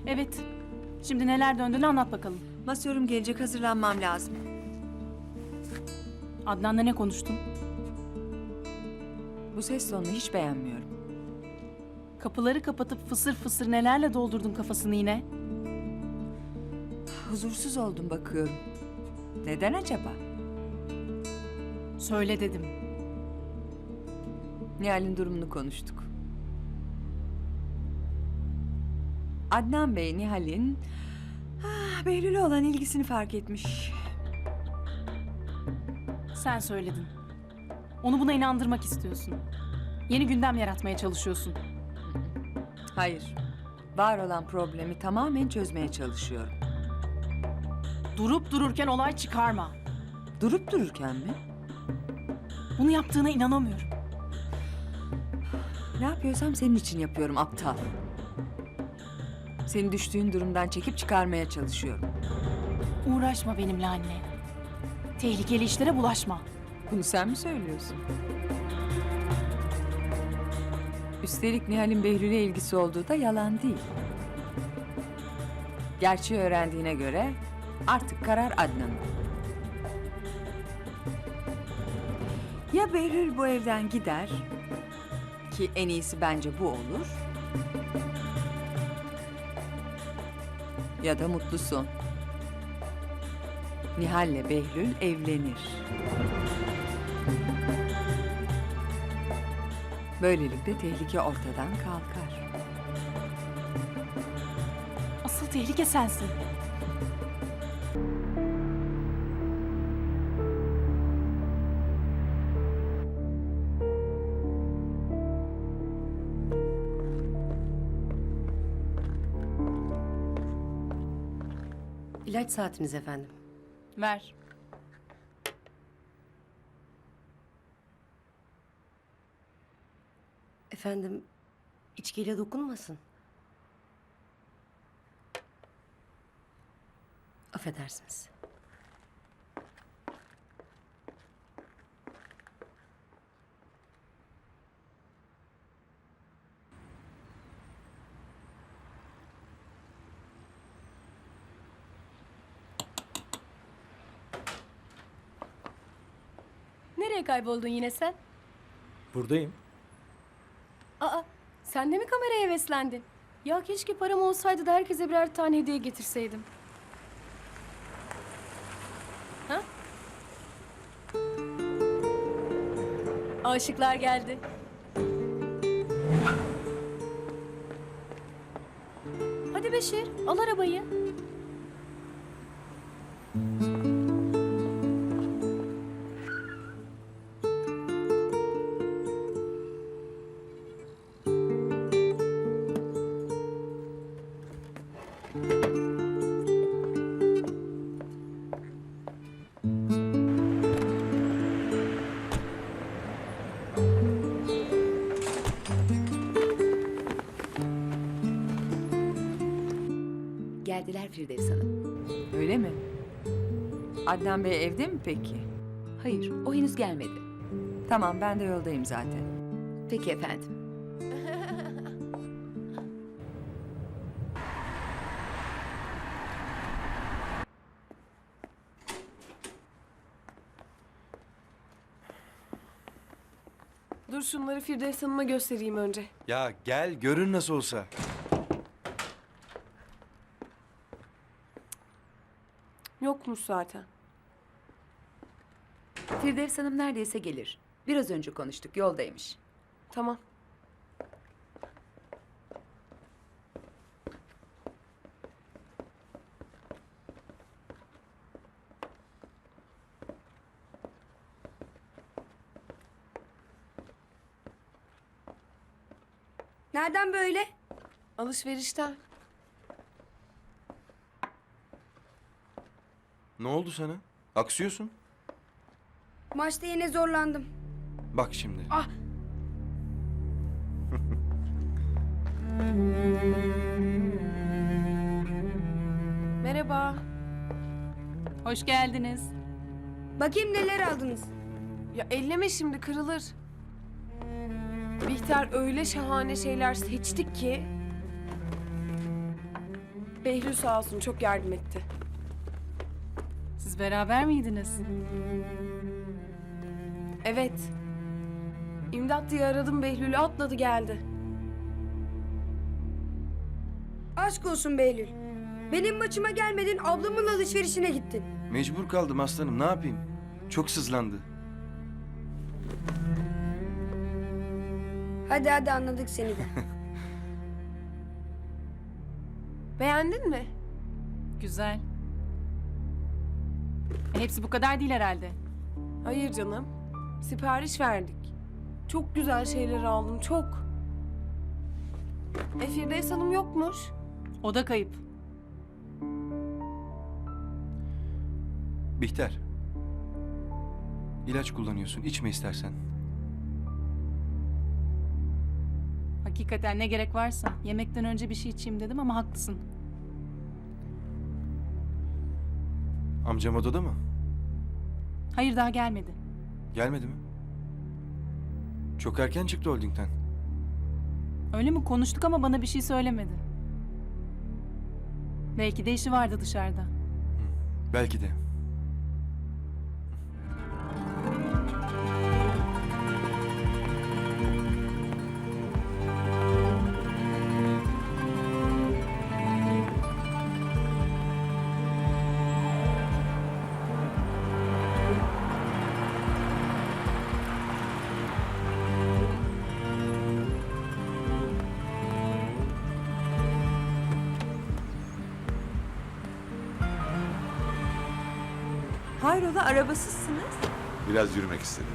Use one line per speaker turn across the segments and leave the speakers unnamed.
Evet. Şimdi neler döndüğünü anlat bakalım.
Masörüm gelecek, hazırlanmam lazım.
Adnan'la ne konuştun?
Bu ses tonunu hiç beğenmiyorum.
Kapıları kapatıp fısır fısır nelerle doldurdun kafasını yine?
Huzursuz oldum bakıyorum. Neden acaba?
Söyle dedim.
Nihal'in durumunu konuştuk. Adnan Bey, Nihal'in Behlül'e olan ilgisini fark etmiş.
Sen söyledin. Onu buna inandırmak istiyorsun. Yeni gündem yaratmaya çalışıyorsun.
Hayır, var olan problemi tamamen çözmeye çalışıyorum.
Durup dururken olay çıkarma.
Durup dururken mi?
Bunu yaptığına inanamıyorum.
Ne yapıyorsam senin için yapıyorum aptal. Seni düştüğün durumdan çekip çıkarmaya çalışıyorum.
Uğraşma benimle anne. Tehlikeli işlere bulaşma.
Bunu sen mi söylüyorsun? Üstelik Nihal'in Behlül'e ilgisi olduğu da yalan değil. Gerçeği öğrendiğine göre artık karar Adnan'ın. Ya Behlül bu evden gider, ki en iyisi bence bu olur, ya da mutlu son. Nihal'le Behlül evlenir. Böylelikle tehlike ortadan kalkar.
Asıl tehlike sensin.
İlaç saatiniz efendim.
Ver.
Efendim, içkiyle dokunmasın. Affedersiniz.
Nereye kayboldun yine sen?
Buradayım.
Aa, sen de mi kameraya heveslendin? Ya keşke param olsaydı da herkese birer tane hediye getirseydim. Ha? Aşıklar geldi. Hadi Beşir, al arabayı.
Geldiler Firdevs Hanım.
Öyle mi? Adnan Bey evde mi peki?
Hayır, o henüz gelmedi.
Tamam, ben de yoldayım zaten.
Peki efendim.
Dur şunları Firdevs Hanım'a göstereyim önce.
Ya gel görün nasıl olsa.
Yokmuş zaten.
Firdevs Hanım neredeyse gelir. Biraz önce konuştuk, yoldaymış.
Tamam.
Nereden böyle?
Alışverişten.
Ne oldu sana? Aksıyorsun.
Maçta yine zorlandım.
Bak şimdi.
Ah!
Merhaba.
Hoş geldiniz.
Bakayım neler aldınız.
Ya elleme şimdi, kırılır. Bihter öyle şahane şeyler seçtik ki.
Behlül sağ olsun çok yardım etti.
Siz beraber miydiniz?
Evet. İmdat diye aradım, Behlül'ü atladı geldi.
Aşk olsun Behlül. Benim maçıma gelmedin, ablamın alışverişine gittin.
Mecbur kaldım aslanım, ne yapayım? Çok sızlandı.
Hadi hadi anladık seni de.
Beğendin mi?
Güzel. Hepsi bu kadar değil herhalde.
Hayır canım. Sipariş verdik. Çok güzel şeyler aldım, çok. Firdevs Hanım yokmuş.
O da kayıp.
Bihter. İlaç kullanıyorsun, içme istersen.
Hakikaten ne gerek varsa. Yemekten önce bir şey içeyim dedim ama haklısın.
Amcam odada mı?
Hayır, daha gelmedi.
Gelmedi mi? Çok erken çıktı holdingden.
Öyle mi? Konuştuk ama bana bir şey söylemedi. Belki de işi vardı dışarıda.
Belki de.
Hayrola arabasızsınız?
Biraz yürümek istedim.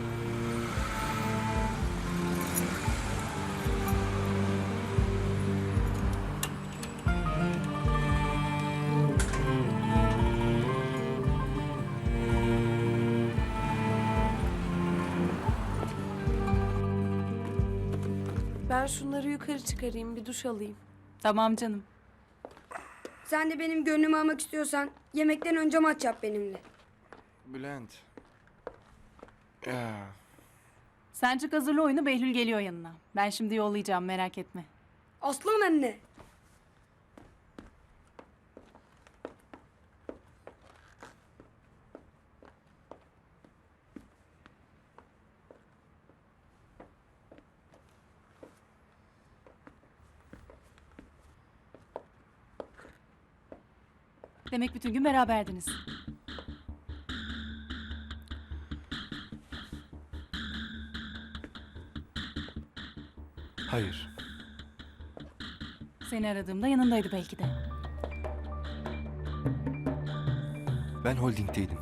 Ben şunları yukarı çıkarayım, bir duş alayım.
Tamam canım.
Sen de benim gönlümü almak istiyorsan yemekten önce maç yap benimle.
Bülent. Ya.
Sen çık hazırla oyunu, Behlül geliyor yanına. Ben şimdi yollayacağım, merak etme.
Aslan anne.
Demek bütün gün beraberdiniz.
Hayır.
Seni aradığımda yanındaydı belki de.
Ben holdingdeydim.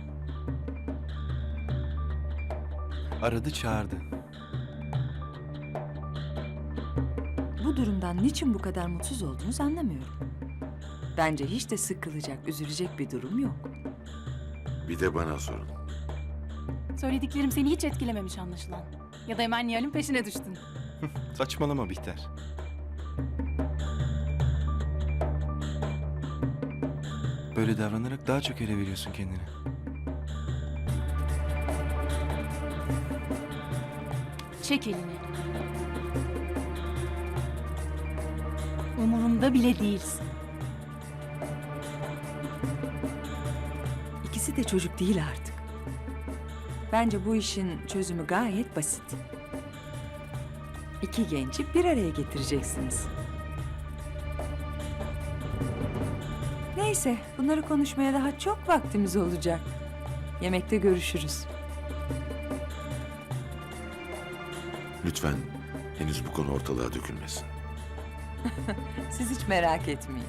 Aradı çağırdı.
Bu durumdan niçin bu kadar mutsuz olduğunuzu anlamıyorum. Bence hiç de sıkılacak, üzülecek bir durum yok.
Bir de bana sorun.
Söylediklerim seni hiç etkilememiş anlaşılan. Ya da hemen Nihal'in peşine düştün.
Saçmalama Bihter. Böyle davranarak daha çok ele veriyorsun kendini.
Çek elini. Umurumda bile değilsin.
İkisi de çocuk değil artık. Bence bu işin çözümü gayet basit. İki genci bir araya getireceksiniz. Neyse, bunları konuşmaya daha çok vaktimiz olacak. Yemekte görüşürüz.
Lütfen henüz bu konu ortalığa dökülmesin.
Siz hiç merak etmeyin.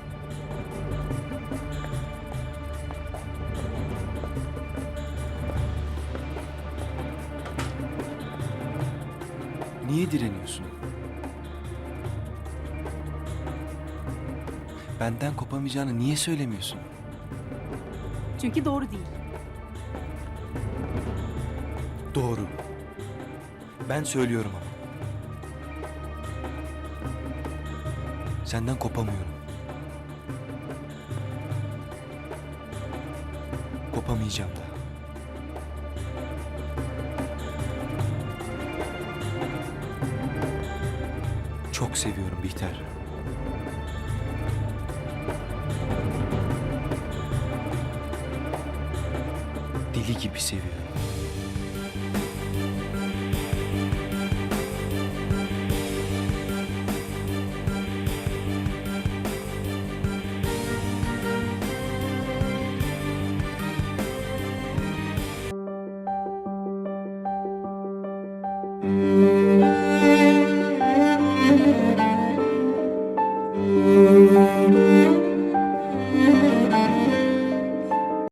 Niye direniyorsun? Benden kopamayacağını niye söylemiyorsun?
Çünkü doğru değil.
Doğru. Ben söylüyorum ama. Senden kopamıyorum. Kopamayacağım da. Çok seviyorum Bihter. Deli gibi seviyorum.